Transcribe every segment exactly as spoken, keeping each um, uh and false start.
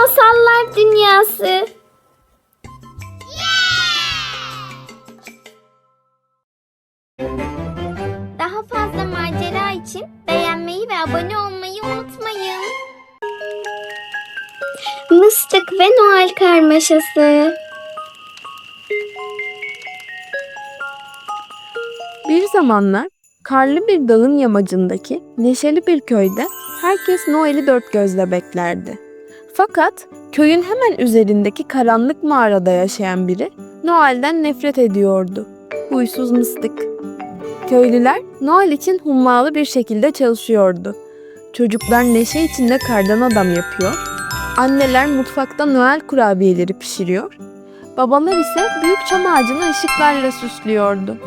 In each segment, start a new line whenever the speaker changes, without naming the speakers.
Masallar Dünyası. Daha fazla macera için beğenmeyi ve abone olmayı unutmayın. Mıstık ve Noel Karmaşası.
Bir zamanlar karlı bir dağın yamacındaki neşeli bir köyde herkes Noel'i dört gözle beklerdi. Fakat köyün hemen üzerindeki karanlık mağarada yaşayan biri Noel'den nefret ediyordu. Huysuz Mıstık. Köylüler Noel için hummalı bir şekilde çalışıyordu. Çocuklar neşe içinde kardan adam yapıyor. Anneler mutfakta Noel kurabiyeleri pişiriyor. Babalar ise büyük çam ağacını ışıklarla süslüyordu.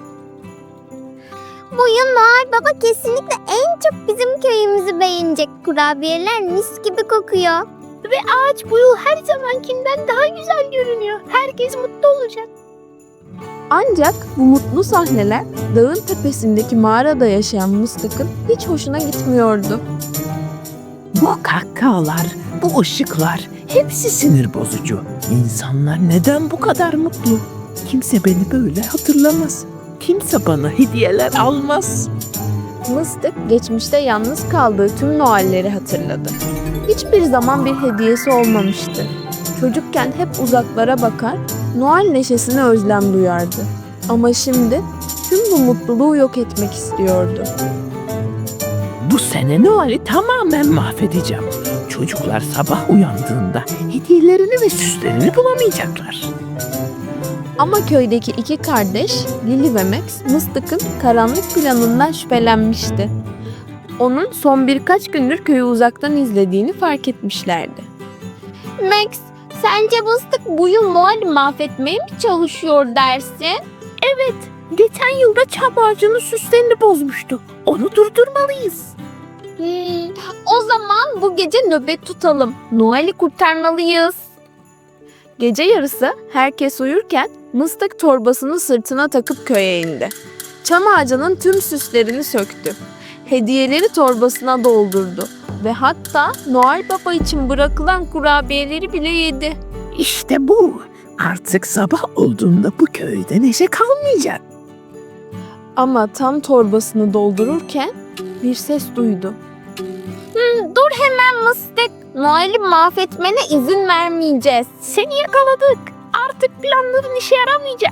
Bu yıl Noel Baba kesinlikle en çok bizim köyümüzü beğenecek. Kurabiyeler mis gibi kokuyor. Ve ağaç bu yıl her zamankinden daha güzel görünüyor. Herkes mutlu olacak.
Ancak bu mutlu sahneler dağın tepesindeki mağarada yaşayan Mıstık'ın hiç hoşuna gitmiyordu.
Bu kahkahalar, bu ışıklar hepsi sinir bozucu. İnsanlar neden bu kadar mutlu? Kimse beni böyle hatırlamaz. Kimse bana hediyeler almaz.
Mıstık geçmişte yalnız kaldığı tüm Noel'leri hatırladı. Hiçbir zaman bir hediyesi olmamıştı. Çocukken hep uzaklara bakar, Noel neşesine özlem duyardı. Ama şimdi tüm bu mutluluğu yok etmek istiyordu.
Bu sene Noel'i tamamen mahvedeceğim. Çocuklar sabah uyandığında hediyelerini ve süslerini bulamayacaklar.
Ama köydeki iki kardeş, Lili ve Max, Mıstık'ın karanlık planından şüphelenmişti. Onun son birkaç gündür köyü uzaktan izlediğini fark etmişlerdi.
Max, sence Mıstık bu yıl Noel'i mahvetmeye mi çalışıyor dersin?
Evet, geçen yılda çam ağacının süslerini bozmuştu. Onu durdurmalıyız.
Hmm, o zaman bu gece nöbet tutalım. Noel'i kurtarmalıyız.
Gece yarısı herkes uyurken Mıstık torbasını sırtına takıp köye indi. Çam ağacının tüm süslerini söktü. Hediyeleri torbasına doldurdu ve hatta Noel Baba için bırakılan kurabiyeleri bile yedi.
İşte bu. Artık sabah olduğunda bu köyde neşe kalmayacak.
Ama tam torbasını doldururken bir ses duydu.
Hmm, dur hemen Mıstık. Noel'i mahvetmene izin vermeyeceğiz.
Seni yakaladık. Artık planların işe yaramayacak.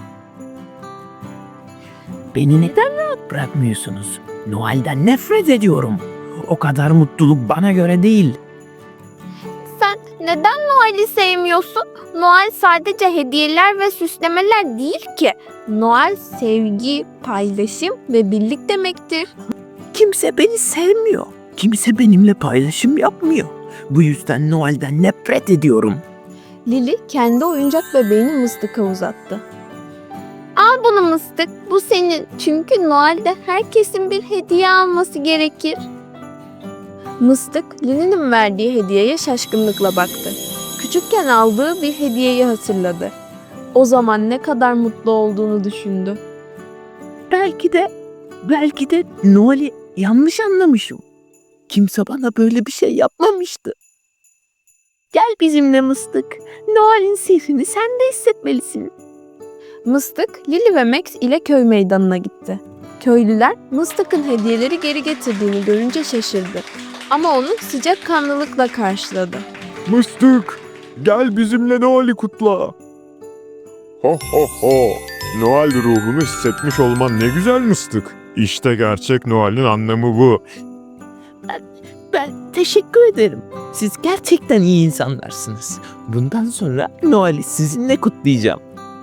Beni neden rahat bırakmıyorsunuz? Noel'den nefret ediyorum. O kadar mutluluk bana göre değil.
Sen neden Noel'i sevmiyorsun? Noel sadece hediyeler ve süslemeler değil ki.
Noel sevgi, paylaşım ve birlik demektir.
Kimse beni sevmiyor. Kimse benimle paylaşım yapmıyor. Bu yüzden Noel'den nefret ediyorum.
Lili kendi oyuncak bebeğini Mıstık'a uzattı.
Al bunu Mıstık. Bu senin. Çünkü Noel'de herkesin bir hediye alması gerekir.
Mıstık, Lili'nin verdiği hediyeye şaşkınlıkla baktı. Küçükken aldığı bir hediyeyi hatırladı. O zaman ne kadar mutlu olduğunu düşündü.
Belki de, belki de Noel'i yanlış anlamışım. Kimse bana böyle bir şey yapmamıştı. Gel bizimle Mıstık. Noel'in sihrini sen de hissetmelisin.
Mıstık, Lili ve Max ile köy meydanına gitti. Köylüler Mıstık'ın hediyeleri geri getirdiğini görünce şaşırdı. Ama onu sıcakkanlılıkla karşıladı.
Mıstık, gel bizimle Noel'i kutla. Ho ho ho, Noel ruhunu hissetmiş olman ne güzel Mıstık. İşte gerçek Noel'in anlamı bu.
Ben teşekkür ederim. Siz gerçekten iyi insanlarsınız. Bundan sonra Noel'i sizinle kutlayacağım.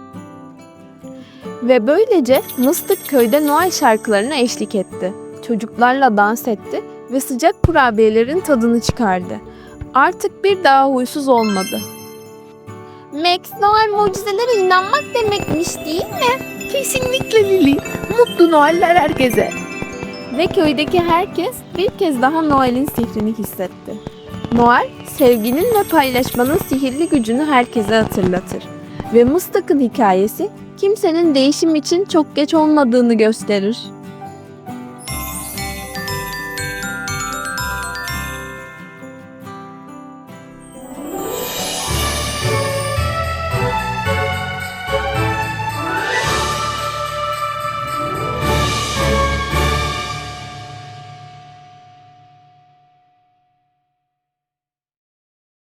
Ve böylece Mıstık köyde Noel şarkılarına eşlik etti. Çocuklarla dans etti ve sıcak kurabiyelerin tadını çıkardı. Artık bir daha huysuz olmadı.
Max, Noel mucizelere inanmak demekmiş değil mi?
Kesinlikle Lili. Mutlu Noeller herkese.
Ve köydeki herkes bir kez daha Noel'in sihrini hissetti. Noel, sevginin ve paylaşmanın sihirli gücünü herkese hatırlatır. Ve Mıstık'ın hikayesi kimsenin değişim için çok geç olmadığını gösterir.